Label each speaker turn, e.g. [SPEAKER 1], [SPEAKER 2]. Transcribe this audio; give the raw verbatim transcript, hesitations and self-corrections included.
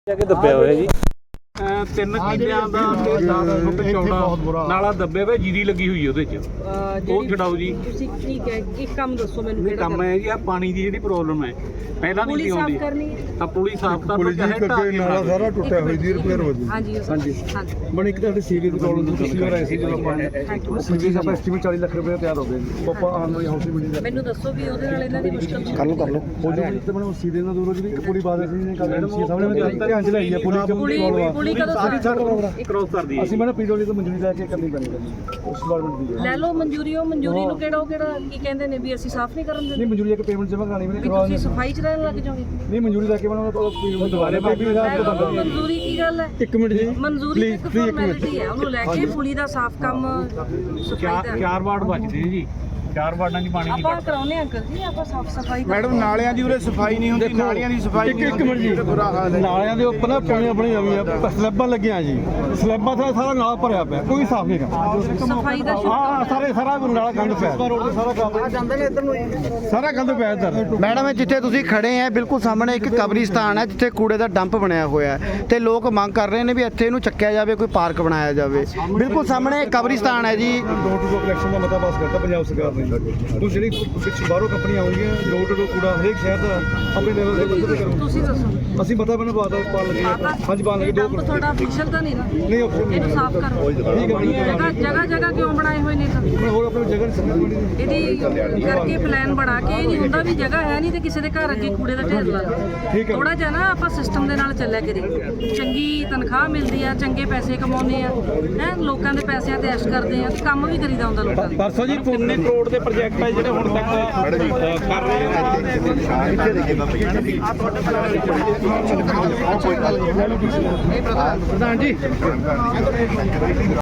[SPEAKER 1] ਕੇ ਦੱਬਿਆ ਹੋਇਆ ਜੀ
[SPEAKER 2] ਤਿੰਨ ਕਿੱਲਿਆਂ ਦਾ ਤੇ ਦਸ ਫੁੱਟ ਚੌੜਾ ਨਾਲਾ ਦੱਬੇ ਵੇ ਜੀਰੀ ਲੱਗੀ ਹੋਈ ਉਹਦੇ ਚ ਉਹ ਛਡਾਓ ਜੀ।
[SPEAKER 3] ਤੁਸੀਂ ਠੀਕ ਹੈ ਕੀ ਕੰਮ ਦੱਸੋ ਮੈਨੂੰ
[SPEAKER 2] ਇਹ ਕੰਮ ਹੈ ਜੀ ਆ ਪਾਣੀ ਦੀ ਜਿਹੜੀ ਪ੍ਰੋਬਲਮ ਹੈ ਪਹਿਲਾਂ ਨਹੀਂ ਸੀ ਆਉਂਦੀ ਤਾਂ ਪੁਲੀ ਸਾਫ਼ ਕਰ
[SPEAKER 4] ਪੁਲਿਸ ਜੀ ਕਰਕੇ ਨਾਲਾ ਸਾਰਾ ਟੁੱਟਿਆ ਹੋਇਆ ਜੀ ਰਿਪੇਅਰ ਹੋ ਜੀ।
[SPEAKER 3] ਹਾਂਜੀ
[SPEAKER 4] ਹਾਂਜੀ ਬਣ ਇੱਕ ਤਾਂ ਸੀਵਰੇਜ ਦੀ ਪ੍ਰੋਬਲਮ ਸੀ ਪਿਛਲੀ ਵਾਰ ਆਈ ਸੀ ਜਦੋਂ ਆਪਾਂ ਸੀਵਰੇਜ ਆਪਾਂ ਐਸਟੀਮੇਟ ਚਾਲੀ ਲੱਖ ਰੁਪਏ ਤਿਆਰ ਹੋ ਗਏ ਜੀ ਪਾਪਾ ਆਉਣ ਵਾਲੀ ਹਾਊਸਿੰਗ ਬਿਲਡਿੰਗ
[SPEAKER 3] ਮੈਨੂੰ ਦੱਸੋ ਵੀ ਉਹਦੇ ਨਾਲ ਇਹਨਾਂ ਦੀ ਮੁਸ਼ਕਲ
[SPEAKER 4] ਕਰ ਲਓ ਕਰ ਲਓ ਹੋ ਜੀ ਤੇ ਮੈਨੂੰ ਸੀਵਰੇਜ ਨਾਲ ਦੂਰੋਂ ਜੀ ਇੱਕ ਪੁਲੀ ਬਾਦ ਸੀ ਨੇ ਕੱਲ ਸੀ ਸਾਹਮਣੇ ਧਿਆਨ ਚ ਲਈ ਹੈ ਪੁਲੀ
[SPEAKER 3] ਪੁਲੀ ਪੁਲੀ ਕਦੋਂ
[SPEAKER 2] ਕ੍ਰੋਸ ਕਰਦੀ ਹੈ
[SPEAKER 4] ਅਸੀਂ ਮੈਡਮ ਪੀਡਬਲਿਊ ਤੋਂ ਮਨਜ਼ੂਰੀ ਲੈ ਕੇ ਕਰਨੀ ਪੈਣੀ ਉਸ ਡਿਪਾਰਟਮੈਂਟ ਦੀ
[SPEAKER 3] ਲੈ ਲਓ ਮਨਜ਼ੂਰੀ ਉਹ ਮਨਜ਼ੂਰੀ ਨੂੰ ਕਿਹੜਾ ਉਹ ਕਿਹੜਾ ਕੀ ਕਹਿੰਦੇ ਨੇ ਵੀ ਅਸੀਂ ਸਾਫ਼ ਨਹੀਂ ਕਰਨ
[SPEAKER 4] ਨਹੀਂ
[SPEAKER 3] ਦਿੰਦੇ
[SPEAKER 4] ਮਨਜ਼ੂਰੀ ਇੱਕ ਪੇਮੈਂਟ ਜਮ੍ਹਾਂ ਕਰਾਣੀ ਮੈਨੇ
[SPEAKER 3] ਵੀ ਤੁਸੀਂ ਸਫਾਈ ਚ ਰਹਿਣ ਲੱਗ ਜਾਓਗੇ
[SPEAKER 4] ਨਹੀਂ ਮਨਜ਼ੂਰੀ ਲੈ ਕੇ ਮੈਨੂੰ ਉਹ ਦੁਬਾਰੇ ਬਾਕੀ
[SPEAKER 3] ਲੈ ਲਓ ਮਨਜ਼ੂਰੀ ਕੀ ਗੱਲ ਹੈ
[SPEAKER 4] ਇੱਕ ਮਿੰਟ ਜੀ
[SPEAKER 3] ਮਨਜ਼ੂਰੀ ਇੱਕ ਫਾਰਮੈਲਿਟੀ ਹੈ ਉਹਨੂੰ ਲੈ ਕੇ ਪੁਲੀ ਦਾ ਸਾਫ਼ ਕੰਮ ਸਫਾਈ
[SPEAKER 2] ਚਾਰ
[SPEAKER 3] ਦਾ
[SPEAKER 2] ਚਾਰ ਵਾਰਡ ਬਚਦੇ ਨੇ ਜੀ ਚਾਰ ਵਾਰਡਾਂ 'ਚ ਪਾਣੀ ਨਹੀਂ
[SPEAKER 3] ਆਪਾਂ ਕਰਾਉਨੇ ਅੰਕਲ ਜੀ ਆਪਾਂ ਸਾਫ਼ ਸਫਾਈ
[SPEAKER 5] ਮੈਡਮ ਨਾਲਿਆਂ ਦੀ ਉਰੇ ਸਫਾਈ ਨਹੀਂ ਹੁੰਦੀ ਨਾਲਿਆਂ ਦੀ ਸਫਾਈ
[SPEAKER 4] ਇੱਕ ਇੱਕ ਮਿੰਟ ਜੀ ਨਾਲਿਆਂ ਦੇ ਉੱਪਰ ਨਾ ਪਾਣੀ ਬਣੀ ਹੋਈ ਆ ਸਲੈਬਾਂ ਲੱਗੀਆਂ ਜੀ ਸਲੈਬਾਂ ਦਾ ਸਾਰਾ ਨਾਲਾ ਭਰਿਆ ਪਿਆ ਕੋਈ ਸਾਫ਼ ਨਹੀਂ ਕਰਦਾ
[SPEAKER 3] ਸਫਾਈ ਦਾ
[SPEAKER 4] ਹਾਂ ਸਾਰੇ ਸਾਰਾ ਨਾਲਾ ਗੰਦ ਪਿਆ ਰੋਡ ਤੇ ਸਾਰਾ ਕੰਮ ਜਾਂਦੇ ਨੇ ਇੱਧਰ ਨੂੰ ਸਾਰਾ ਗੰਦ ਪਿਆ ਇੱਧਰ
[SPEAKER 5] ਮੈਡਮ ਇਹ ਜਿੱਥੇ ਤੁਸੀਂ ਖੜੇ ਆ ਬਿਲਕੁਲ ਸਾਹਮਣੇ ਇੱਕ ਕਬਰਿਸਤਾਨ ਹੈ ਜਿੱਥੇ ਕੂੜੇ ਦਾ ਡੰਪ ਬਣਿਆ ਹੋਇਆ ਹੈ ਤੇ ਲੋਕ ਮੰਗ ਕਰ ਰਹੇ ਨੇ ਵੀ ਇੱਥੇ ਇਹਨੂੰ ਚੱਕਿਆ ਜਾਵੇ ਕੋਈ ਪਾਰਕ ਬਣਾਇਆ ਜਾਵੇ ਬਿਲਕੁਲ ਸਾਹਮਣੇ ਕਬਰਿਸਤਾਨ ਹੈ ਜੀ
[SPEAKER 4] ਡੋਰ ਟੂ ਡੋਰ ਕਲੈਕਸ਼ਨ ਦਾ ਮਤਾ ਪਾਸ ਕਰਤਾ ਪੰਜਾਬ ਸਰਕਾਰ ਨੇ ਤੁਸੀਂ ਜਿਹੜੀ ਪਿੱਛੇ ਬਾਹਰੋਂ ਕੰਪਨੀਆਂ ਆਉਂਗੀਆਂ ਡੋਰ ਟੂ ਡੋਰ ਕੂੜਾ ਹਰੇਕ ਸ਼ਹਿਰ ਦਾ ਆਪਣੇ ਲੈਵਲ ਤੇ ਪੱਧਰ ਤੇ ਕਰੋ
[SPEAKER 3] ਤੁਸੀਂ ਦੱਸੋ
[SPEAKER 4] ਅਸੀਂ ਪਤਾ ਮੈਨੂੰ ਬਾਤ ਪਾਣ ਲੱਗੇ ਹਾਂਜੀ ਪਾਣ ਲੱਗੇ ਦੋ
[SPEAKER 3] ਡੰਪ ਤੁਹਾਡਾ ਅਫੀਸ਼ੀਅਲ ਤਾਂ ਨਹੀਂ ਨਾ
[SPEAKER 4] ਨਹੀਂ ਆਪਸ਼ਨ
[SPEAKER 3] ਇਹਨੂੰ ਸਾਫ਼ ਕਰੋ
[SPEAKER 4] ਠੀਕ ਹੈ
[SPEAKER 3] ਜਗ੍ਹਾ ਜਗ੍ਹਾ ਜਗ੍ਹਾ ਕਿਉਂ ਬਣਾਏ ਹੋਏ ਨੇ ਤਾਂ
[SPEAKER 4] ਹੁਣ ਹੋਰ ਆਪਣੀ ਜਗ੍ਹਾ ਨਹੀਂ
[SPEAKER 3] ਇਹਦੀ ਕਰਕੇ ਪਲਾਨ ਬਣਾ ਕੇ ਇਹ ਨਹੀਂ ਹੁੰਦਾ ਵੀ ਜਗ੍ਹਾ ਹੈ ਨਹੀਂ ਤੇ ਕਿਸੇ ਦੇ ਘਰ ਅੱਗੇ ਕੂੜੇ ਦਾ ਢੇਰ ਲਾ
[SPEAKER 4] ਠੀਕ ਹੈ
[SPEAKER 3] ਥੋੜਾ ਜਿਹਾ ਨਾ ਆਪਾਂ ਸਿਸਟਮ ਦੇ ਨਾਲ ਚੱਲਿਆ ਕਰੀਏ ਚੰਗੀ ਤਨਖਾਹ ਮਿਲਦੀ ਆ ਚੰਗੇ ਪੈਸੇ ਕਮਾਉਂਦੇ ਆ ਹੈ ਲੋਕਾਂ ਦੇ ਪੈਸਿਆਂ ਤੇ ਐਸ਼ ਕਰਦੇ ਆ ਤੇ ਕੰਮ ਵੀ ਕਰੀਦਾ ਹੁੰਦਾ ਲੋਕਾਂ ਦਾ
[SPEAKER 2] ਪਰਸੋਂ ਜੀ ਕਿੰਨੇ ਕਰੋੜ ਦੇ ਪ੍ਰੋਜੈਕਟ ਹੈ ਜਿਹੜੇ ਹੁਣ ਤੱਕ ਕਰ ਰਹੇ
[SPEAKER 4] ਪ੍ਰਧਾਨ ਜੀ